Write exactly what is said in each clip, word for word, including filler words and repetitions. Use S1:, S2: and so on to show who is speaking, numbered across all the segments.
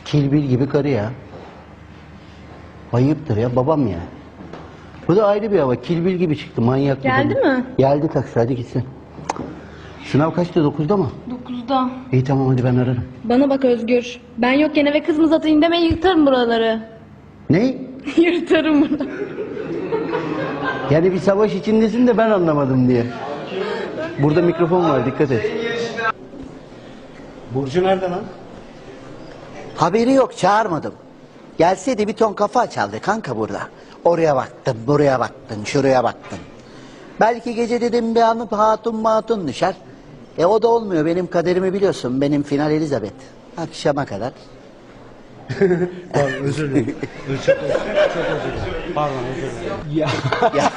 S1: Kilbil gibi karı ya. Ayıptır ya, babam ya. Bu da ayrı bir hava. Kilbil gibi çıktı, manyak.
S2: Geldi mi?
S1: Geldi taksi, hadi gitsin. Sınav kaçtı, dokuzda mı?
S2: Dokuzda.
S1: İyi tamam, hadi ben ararım.
S2: Bana bak Özgür. Ben yokken eve kız mı satayım deme, yırtarım buraları.
S1: Ne?
S2: Yırtarım buraları.
S1: Yani bir savaş içindesin de ben anlamadım diye. Burada mikrofon var, dikkat et.
S3: Burcu nerede lan?
S1: Haberi yok, çağırmadım. Gelseydi bir ton kafa açardı kanka burada. Oraya baktın, buraya baktın, şuraya baktın. Belki gece dedim bir anıp hatun matun düşer. E o da olmuyor, benim kaderimi biliyorsun. Benim final Elizabeth. Akşama kadar.
S3: Pardon, özür dilerim. Dur, çok özür dilerim. Çok özür dilerim. Pardon, özür dilerim. Ya.
S1: Ya.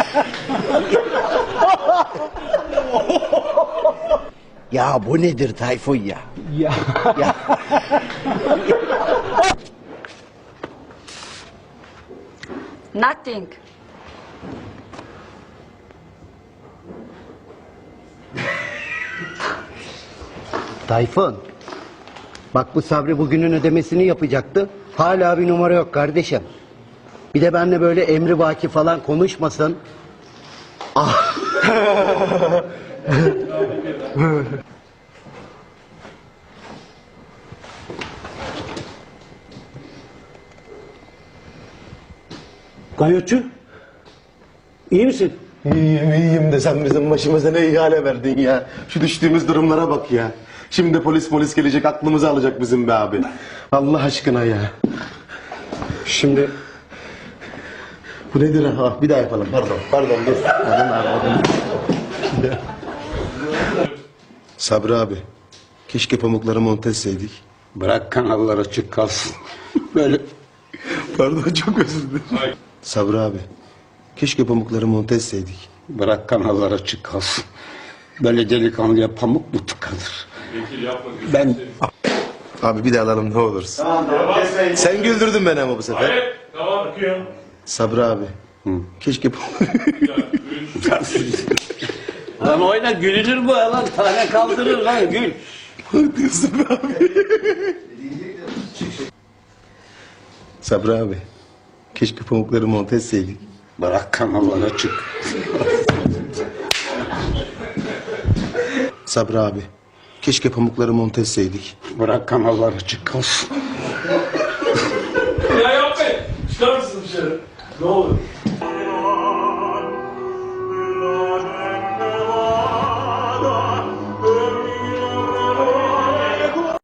S1: Ya bu nedir Tayfun ya?
S3: Ya.
S1: Ya.
S4: Nothing.
S1: Tayfun. Bak bu Sabri bugünün ödemesini yapacaktı. Hala bir numara yok kardeşim. Bir de benimle böyle emri vaki falan konuşmasın. Ah.
S3: Gayotçu. İyi misin?
S5: İyiyim iyiyim de sen bizim başımıza ne ihale verdin ya. Şu düştüğümüz durumlara bak ya. Şimdi polis polis gelecek aklımızı alacak bizim be abi. Allah aşkına ya.
S3: Şimdi
S5: Bu nedir ha? Bir daha yapalım pardon. Pardon dur. Pardon abi, pardon. Sabri abi. Keşke pamukları monte etseydik.
S6: Bırak kanallar açık kalsın. Böyle
S5: Pardon çok özür dilerim. Sabri abi. Keşke pamukları monte etseydik.
S6: bırak kanallar açık kalsın. Böyle delikanlıya pamuk mu tıkanır? Ben
S5: Abi bir daha alalım ne olursun. Sen güldürdün beni ama bu sefer.
S7: Hayır, tamam bakıyorum.
S5: Sabri abi. Keşke
S6: lan oyna, gülünür bu ya lan, tane kaldırır lan, gül.
S5: diyorsun be abi. Sabri abi. Keşke pamukları monte etseydik.
S6: Bırak kanallar açık.
S5: Sabri abi. Keşke pamukları monte etseydik.
S6: Bırak kanallar açık kalsın.
S7: Ya yapmayın. Çıkar mısın dışarı? Ne olur.